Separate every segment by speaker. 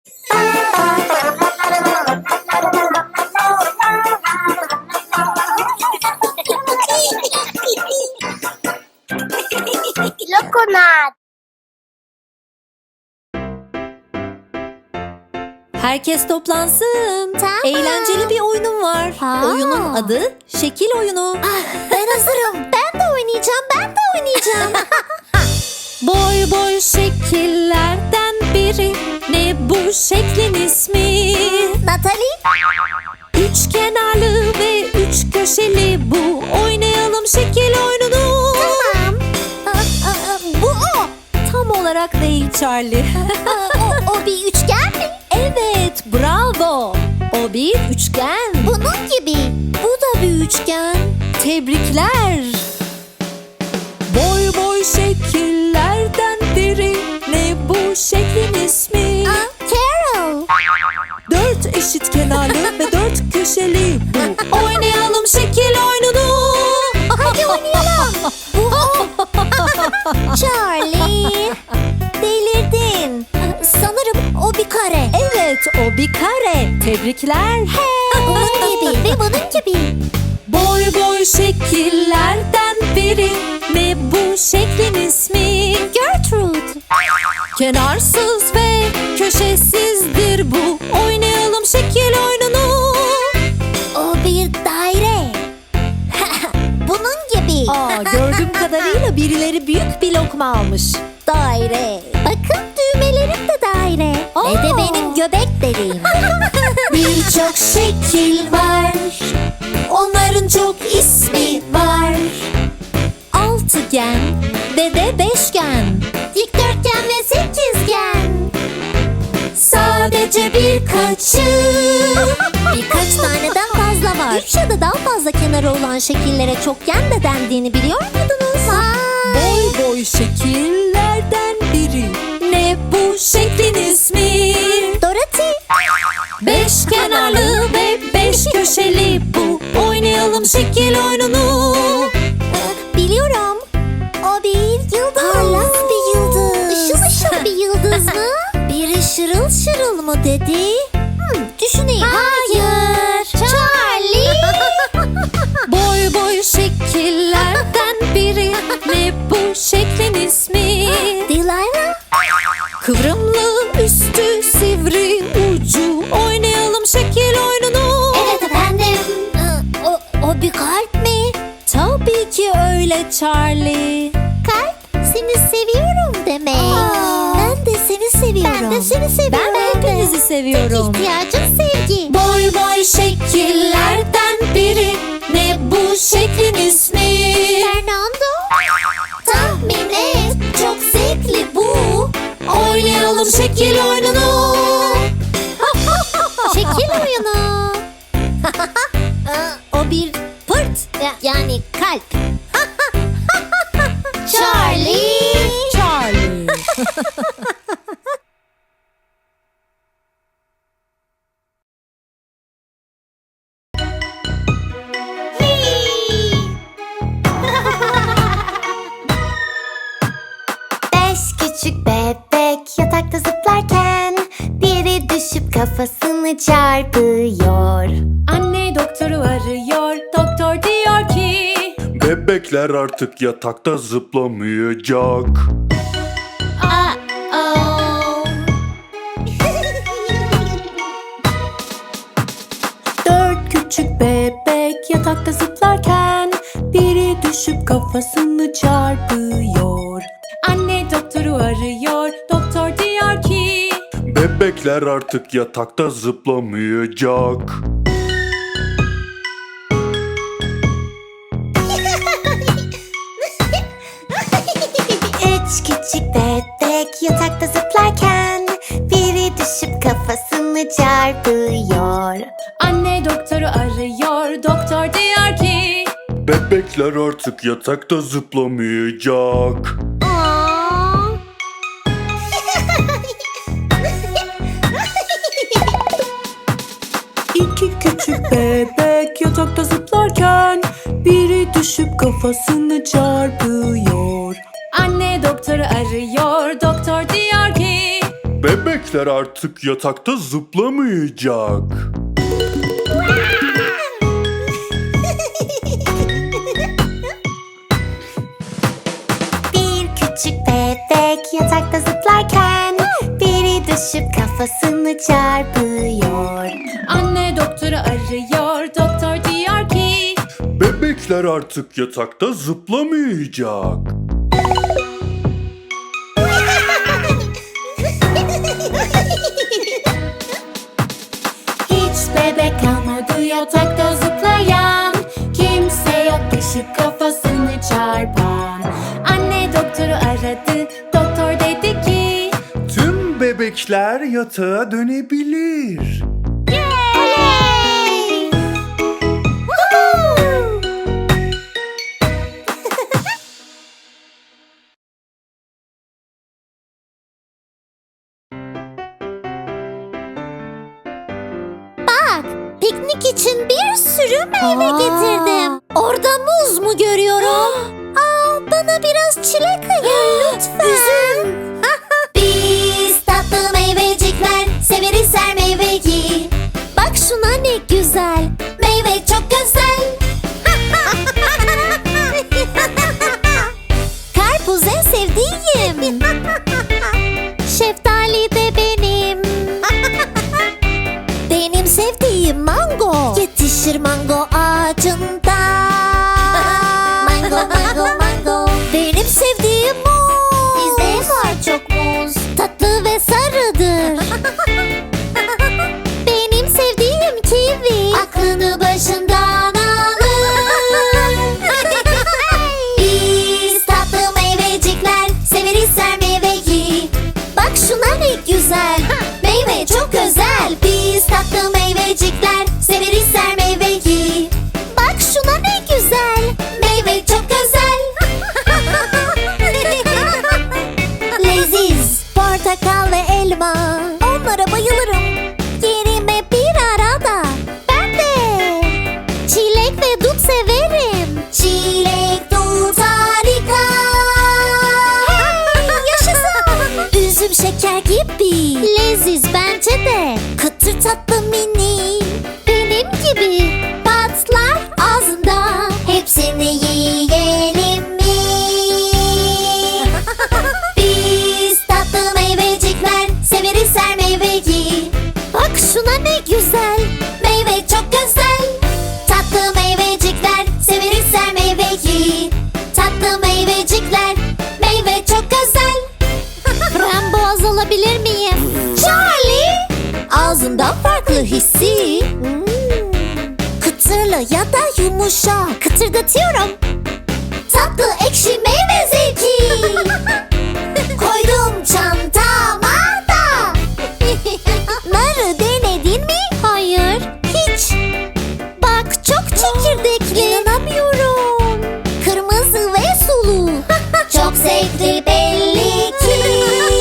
Speaker 1: Lokonat.
Speaker 2: Herkes toplansın.
Speaker 1: Tamam.
Speaker 2: Eğlenceli bir oyunum var.
Speaker 1: Ha.
Speaker 2: Oyunun adı şekil oyunu.
Speaker 1: Ben hazırım. Ben de oynayacağım.
Speaker 2: Boy boy şekillerden biri. Ne bu şeklin ismi?
Speaker 1: Natalie.
Speaker 2: Üç kenarlı ve üç köşeli bu. Oynayalım şekil oyununu.
Speaker 1: Tamam. Bu o.
Speaker 2: Tam olarak değil Charlie.
Speaker 1: O bir üçgen mi?
Speaker 2: Evet, bravo. O bir üçgen.
Speaker 1: Bunun gibi.
Speaker 2: Bu da bir üçgen. Tebrikler. Boy boy şekillerden biri. Ne bu şeklin ismi?
Speaker 1: Carol.
Speaker 2: Dört eşit kenarlı ve dört köşeli bu. Oynayalım şekil oyununu.
Speaker 1: Hadi oynayalım. Bu o. Charlie. Delirdin. Sanırım o bir kare.
Speaker 2: Evet, o bir kare. Tebrikler.
Speaker 1: Bunun gibi ve bunun gibi.
Speaker 2: Boy boy şekillerden biri. Ne bu şeklin ismi?
Speaker 1: Gertrude.
Speaker 2: Kenarsız ve köşesizdir bu. Oynayalım şekil oyununu.
Speaker 1: O bir daire. Bunun gibi.
Speaker 2: Gördüğüm kadarıyla birileri büyük bir lokma almış.
Speaker 1: Daire. Bakın düğmelerim de daire. Ve de benim göbek deliğim.
Speaker 2: Birçok şekil var. Onların çok ismi var. Altıgen ve de beşgen.
Speaker 1: Dikdörtgen ve sekizgen.
Speaker 2: Sadece birkaçı.
Speaker 1: Birkaç taneden fazla var. Üç ya da daha fazla kenarı olan şekillere çokgen de dendiğini biliyor muydunuz?
Speaker 2: Boy boy şekillerden biri. Ne bu şeklin ismi?
Speaker 1: Dorothy.
Speaker 2: Beş kenarlı ve beş köşeli bu. Oynayalım şekil oyununu.
Speaker 1: Biliyorum. O bir yıldız. Parlak bir yıldız. Işıl ışıl bir yıldız mı? Biri şırıl şırıl mı dedi? Düşüneyim. Hayır. Charlie.
Speaker 2: Boy boy şekillerden biri. Ne bu şeklin ismi?
Speaker 1: Delilah.
Speaker 2: Kıvrımlı üstü sivri ucu. Oynayalım şekil oyununu.
Speaker 1: Evet efendim. O bir kalp mi?
Speaker 2: Tabii ki öyle Charlie.
Speaker 1: Kalp seni seviyorum demek. Ben de seni seviyorum. Ben de seni seviyorum.
Speaker 2: Ben de hepinizi seviyorum.
Speaker 1: Tek ihtiyacım sevgi.
Speaker 2: Boy boy şekillerden biri. Ne bu şeklin ismi?
Speaker 1: Fernando. Tahmin et. Çok zevkli bu.
Speaker 2: Oynayalım şekil oyununu.
Speaker 1: Şekil oyunu. O bir pırt. Yani kalp. Charlie.
Speaker 2: Charlie.
Speaker 1: Beş küçük bebek yatakta zıplarken biri düşüp kafasını çarpıyor.
Speaker 2: Anne doktoru arıyor. Doktor diyor ki
Speaker 3: Bebekler artık yatakta zıplamayacak.
Speaker 2: dört küçük bebek yatakta zıplarken biri düşüp kafasını çarpıyor. Anne doktoru arıyor. Doktor diyor ki
Speaker 3: Bebekler artık yatakta zıplamayacak.
Speaker 1: Üç küçük bebek yatakta zıplarken biri düşüp kafasını çarpıyor.
Speaker 2: Anne doktoru arıyor. Doktor diyor ki
Speaker 3: Bebekler artık yatakta zıplamayacak.
Speaker 2: İki küçük bebek yatakta zıplarken biri düşüp kafasını çarpıyor. Anne doktoru arıyor. Doktor diyor ki
Speaker 3: Bebekler Bebekler artık yatakta zıplamayacak.
Speaker 1: Bir küçük bebek yatakta zıplarken biri düşüp kafasını çarpıyor.
Speaker 2: Anne doktoru arıyor, doktor diyor ki
Speaker 3: Bebekler artık yatakta zıplamayacak.
Speaker 1: Hiç bebek kalmadı yatakta zıplayan. Kimse yok düşüp kafasını çarpan.
Speaker 2: Anne doktoru aradı, doktor dedi ki
Speaker 3: Tüm bebekler yatağa dönebilir.
Speaker 1: Oley! Woohoo! Bak, piknik için bir sürü meyve getirdim. Orada muz mu görüyorum? Aa, bana biraz çilek ayır lütfen. Üzüm. Biz tatlı meyvecikler severiz her meyveyi. Bak şuna ne güzel. Meyve çok güzel. Karpuz en sevdiğim. Şeftali de benim. Benim sevdiğim mango. Yetişir mango ağacında. Mango, mango, mango. Benim sevdiğim muz. Bizde var çok muz. Tatlı ve sarıdır. Benim sevdiğim kivi. Aklını başından alır. Biz tatlı meyvecikler severiz her meyveyi. Bak şuna ne güzel. Meyve çok özel. Biz tatlı meyvecikler severiz her meyveyi. Bak şuna ne güzel. Meyve çok özel. Leziz portakal ve elma. Onlara bayılırım. Yerime bir arada. Ben de. Çilek ve dut severim. Çilek, dut harika. Hey, yaşasın. Üzüm şeker gibi. Leziz bence de. Kıtır tatlı mini. Benim gibi. Patlar ağzında. Hepsini yiyelim mi? Biz tatlı meyvecikler severiz her meyveyi. Bak şuna ne güzel. Meyve çok güzel. Tatlı meyvecikler severiz her meyveyi. Tatlı meyvecikler meyve çok güzel. Frambuaz alabilir miyim? Charlie! Ağzımdan farklı hissi. Kıtırlı ya da yumuşak. Kıtırdatıyorum. Tatlı ekşi meyve zevki. Koydum çantama da. Narı denedin mi? Hayır, hiç. Bak çok çekirdekli. İnanamıyorum. Kırmızı ve sulu. Çok zevkli belli ki.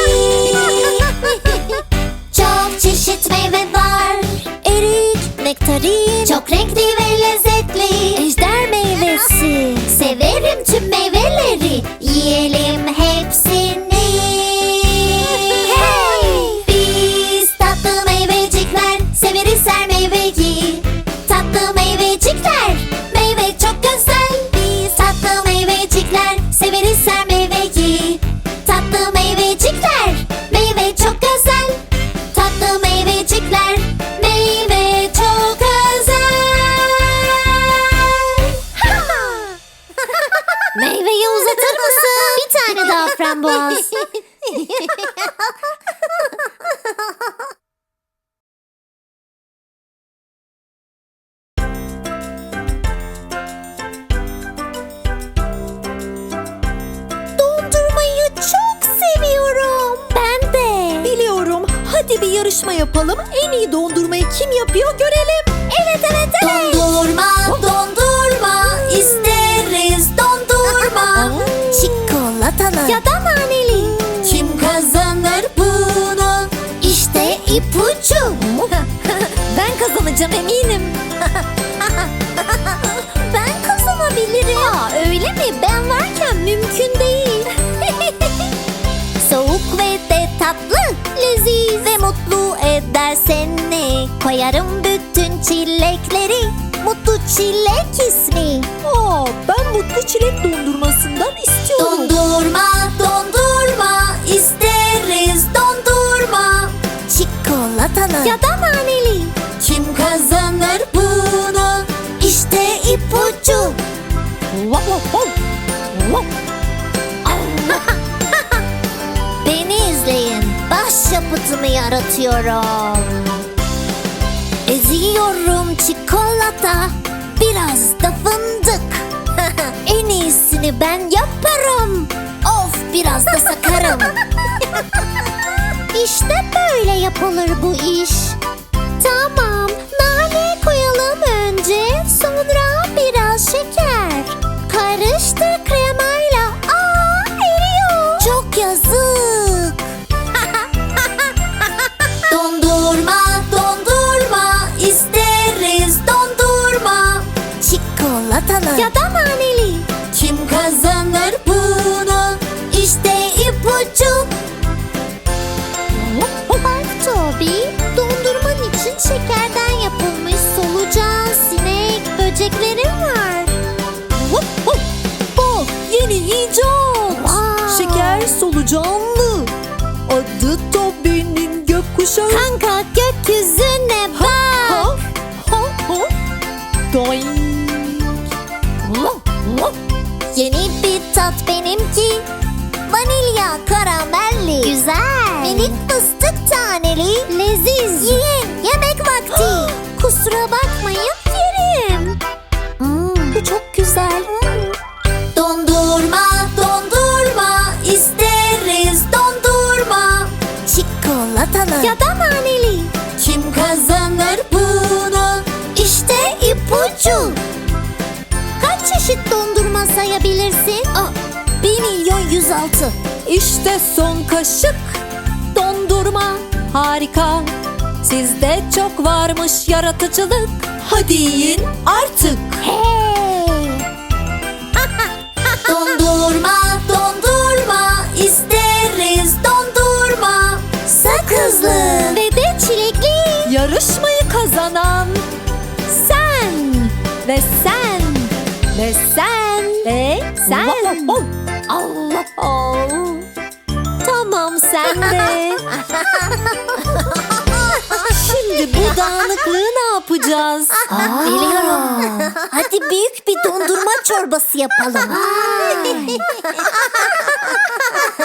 Speaker 1: Çok çeşit meyve var. Erik, nektarin. Çok renkli ve lezzetli. Ejder meyvesi. Severim tüm meyveleri. Yiyelim hepsini. Hey! Biz tatlı meyvecikler severiz her meyveyi. Tatlı meyvecikler meyve çok güzel. Biz tatlı meyvecikler severiz her meyveyi. Tatlı meyvecikler meyve çok güzel. Tatlı meyvecikler meyve çok özel. Meyveyi uzatır mısın? Bir tane daha frambuaz. Dondurmayı çok seviyorum. Ben de.
Speaker 2: biliyorum. Hadi bir yarışma yapalım. En iyi dondurmayı kim yapıyor görelim.
Speaker 1: Evet evet evet. Dondurma, dondurma. İsteriz dondurma. Çikolatalı ya da naneli. Kim kazanır bunu? İşte ipucu.
Speaker 2: Ben kazanacağım eminim.
Speaker 1: Ben kazanabilirim.
Speaker 2: Aa, öyle mi?
Speaker 1: Ben varken mümkün değil. Soğuk ve de tatlı, leziz ve mutlu eder seni. Koyarım bütün çilekleri, mutlu çilek ismi.
Speaker 2: Ben mutlu çilek dondurmasından istiyorum.
Speaker 1: Dondurma, dondurma isteriz dondurma. Çikolatalı ya da naneli. Kim kazanır bunu? İşte ipucu. Beni izleyin. Başyapıtımı yaratıyorum. Eziyorum çikolata, biraz da fındık. En iyisini ben yaparım. Of, biraz da sakarım. İşte böyle yapılır bu iş. Tamam, nane koyalım önce, sonra biraz şeker. Karıştır kremayla. Eriyor. Çok yazık. Dondurma, dondurma isteriz dondurma. Çikolatalı ya da naneli. Kim kazanır bunu? İşte ipucu. Bak Toby, dondurman için şekerden yapılmış solucan, sinek, böceklerim var.
Speaker 2: Bak, yeni icat.
Speaker 1: Wow.
Speaker 2: Şeker solucanlı. Adı Toby'nin gökkuşağı.
Speaker 1: Kanka, gökyüzüne bak.
Speaker 2: Doing.
Speaker 1: Yeni bir tat benimki. Vanilya karamelli. Güzel. Minik fıstık taneli. Leziz. Yiyin, yemek vakti. Kusura bakmayın, yerim. Bu çok güzel. Dondurma, dondurma isteriz dondurma. Çikolatalı ya da naneli. Kim kazanır bunu? İşte ipucu. Kaç çeşit dondurma sayabilirsin? 1.106.000.
Speaker 2: İşte son kaşık dondurma, harika. Sizde çok varmış yaratıcılık. Hadi yiyin artık.
Speaker 1: Hey! Dondurma, dondurma isteriz dondurma. Sakızlı ve de çilekli.
Speaker 2: Yarışmayı kazanan sen ve sen ve sen ve sen. Allah Allah. Tamam, sen de. Şimdi bu dağınıklığı ne yapacağız?
Speaker 1: Biliyorum. Hadi büyük bir dondurma çorbası yapalım.